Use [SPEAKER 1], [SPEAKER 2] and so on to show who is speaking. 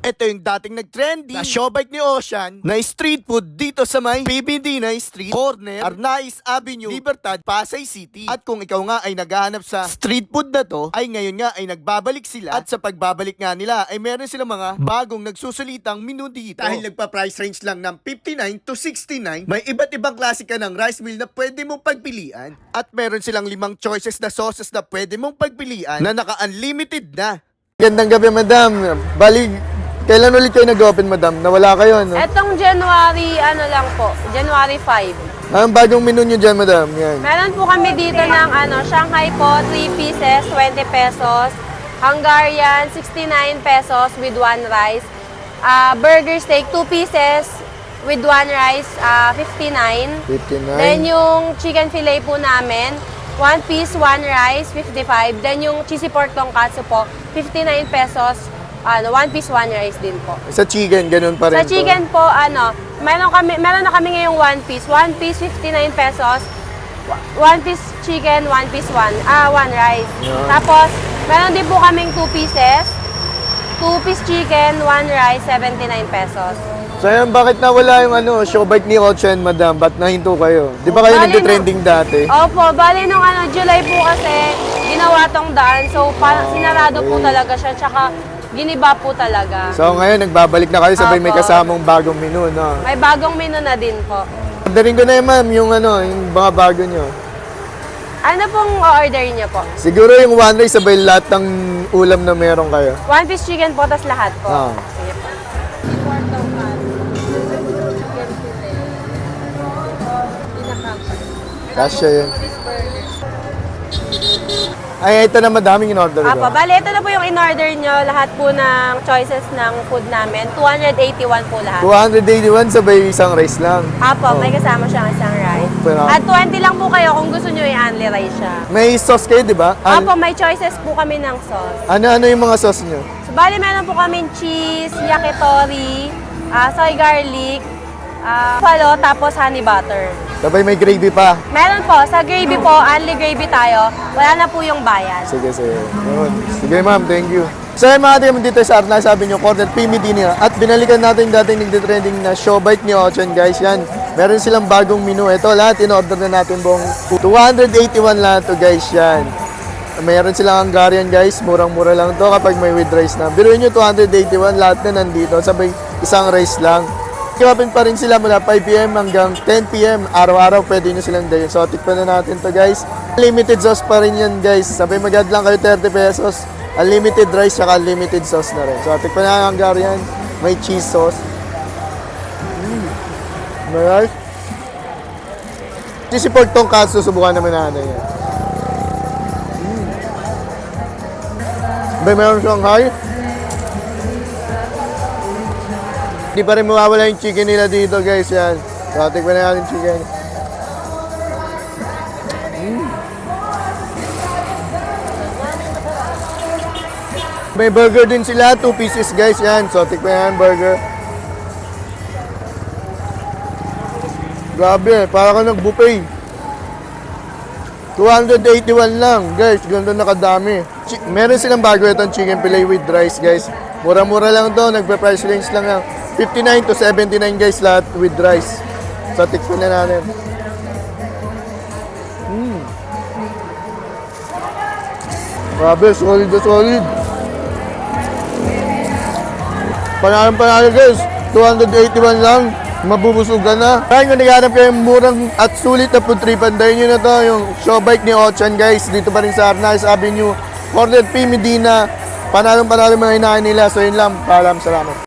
[SPEAKER 1] Ito yung dating nag-trendy na showbike ni Ocean na street food dito sa may PBD na Street Corner, Arnaiz Avenue, Libertad, Pasay City. At kung ikaw nga ay naghahanap sa street food na to, ay ngayon nga ay nagbabalik sila. At sa pagbabalik nga nila ay meron silang mga bagong nagsusulitang menu dito. Dahil nagpa-price range lang ng 59 to 69, may iba't ibang klase ka ng rice meal na pwede mong pagpilian. At meron silang 5 choices na sauces na pwede mong pagpilian na naka-unlimited na.
[SPEAKER 2] Gandang gabi, madam. Bali, kailan ulit kayo nag-open, madam? Nawala kayo, no?
[SPEAKER 3] Etong January, January 5.
[SPEAKER 2] Ang bagong menu nyo dyan, madam? Yan.
[SPEAKER 3] Meron po kami dito ng Shanghai po, 3 pieces, 20 pesos. Hungarian, 69 pesos with 1 rice. Burger steak, 2 pieces with 1 rice, 59.
[SPEAKER 2] 59.
[SPEAKER 3] Then yung chicken fillet po namin, 1 piece, 1 rice, 55. Then yung cheesy pork tonkatsu po, 59 pesos. 1 piece, 1 rice din po.
[SPEAKER 2] Sa chicken, ganun pa rin
[SPEAKER 3] Sa chicken po, meron na kami ngayong 1 piece. 1 piece, 59 pesos. 1 piece chicken, 1 piece, 1 rice.
[SPEAKER 2] Yeah.
[SPEAKER 3] Tapos, meron din po kaming 2 pieces. 2 piece chicken, 1 rice, 79 pesos.
[SPEAKER 2] So yan, bakit nawala yung showbike ni Ocean, madam? Ba't nahinto kayo? Di ba kayo
[SPEAKER 3] Bali,
[SPEAKER 2] nagtitrending dati?
[SPEAKER 3] Opo, bali nung July po kasi, ginawa tong daan. So, sinarado po talaga siya. Tsaka, giniba po talaga.
[SPEAKER 2] So ngayon, nagbabalik na kayo, sabay may
[SPEAKER 3] Opo.
[SPEAKER 2] kasamang bagong menu, no?
[SPEAKER 3] May bagong menu na din po.
[SPEAKER 2] Orderin ko na yun, ma'am, yung mga bago nyo.
[SPEAKER 3] Ano pong order niyo po?
[SPEAKER 2] Siguro yung one rice, sabay lahat ng ulam na meron kayo.
[SPEAKER 3] 1 piece chicken po, tas lahat po.
[SPEAKER 2] Ah.
[SPEAKER 3] Sige po.
[SPEAKER 2] Kasya yun. Ay, ito na madaming in-order ko.
[SPEAKER 3] Apo, bali, ito na po yung in-order nyo. Lahat po ng choices ng food namin. 281 po lahat.
[SPEAKER 2] 281 sabay isang rice lang.
[SPEAKER 3] Apo, may kasama siyang isang rice.
[SPEAKER 2] Pero-
[SPEAKER 3] At 20 lang po kayo kung gusto nyo i-only rice siya.
[SPEAKER 2] May sauce kayo, di ba?
[SPEAKER 3] Apo, may choices po kami ng sauce.
[SPEAKER 2] Ano yung mga sauce nyo?
[SPEAKER 3] So, bali, meron po kami cheese, yakitori, soy garlic, buffalo, tapos honey butter.
[SPEAKER 2] Sabay may gravy pa.
[SPEAKER 3] Meron po, sa gravy po, only gravy tayo. Wala na po yung bayad.
[SPEAKER 2] Sige, sige. Yun. Sige, ma'am. Thank you. So, yung mga tayo dito sa Arnaiz, sabi nyo, Corner PMD niya. At binalikan natin yung dating nagtitrending na showbike ni Ocean, guys. Yan. Meron silang bagong menu. Ito, lahat in-order na natin buong 281 lahat to, guys. Yan. Mayroon silang Hungarian, guys. Murang-mura lang to kapag may with rice na. Biruin nyo, 281. Lahat na nandito. Sabay isang rice lang. Open pa rin sila mula 5 p.m. hanggang 10 p.m. Araw-araw pwede nyo silang dayon. So, tikpan na natin to, guys. Unlimited sauce pa rin yan, guys. Sabay mag-add lang kayo 30 pesos. Unlimited rice, saka unlimited sauce na rin. So, tikpan na ang Hungarian. May cheese sauce. Alright. Cheesy pork tonkatsu, subukan naman natin yan. Sabay mayroon Shanghai. Hindi pa rin mawawala yung chicken nila dito, guys. Yan. So, tikman na natin chicken. May burger din sila. 2 pieces, guys. Yan. So, tikman na yung burger. Grabe. Para ka nag-buffet. 281 lang, guys. Ganito nakadami. Meron silang bago itong chicken fillet with rice, guys. Mura-mura lang to. Nagpa-price range lang lang. 59 to 79, guys, lahat with rice. So, tikpan na natin. Grabe, solid na solid. Panalo, guys. 281 lang. Mabubusog ka na. Kaya kung naghanap kayong murang at sulit na food trip, andayin nyo na to, yung showbike ni Ocean, guys. Dito pa rin sa Arnaiz Avenue. Corner P. Medina. Panalo mga hinahin nila. So, yun lang. Paalam, salamat.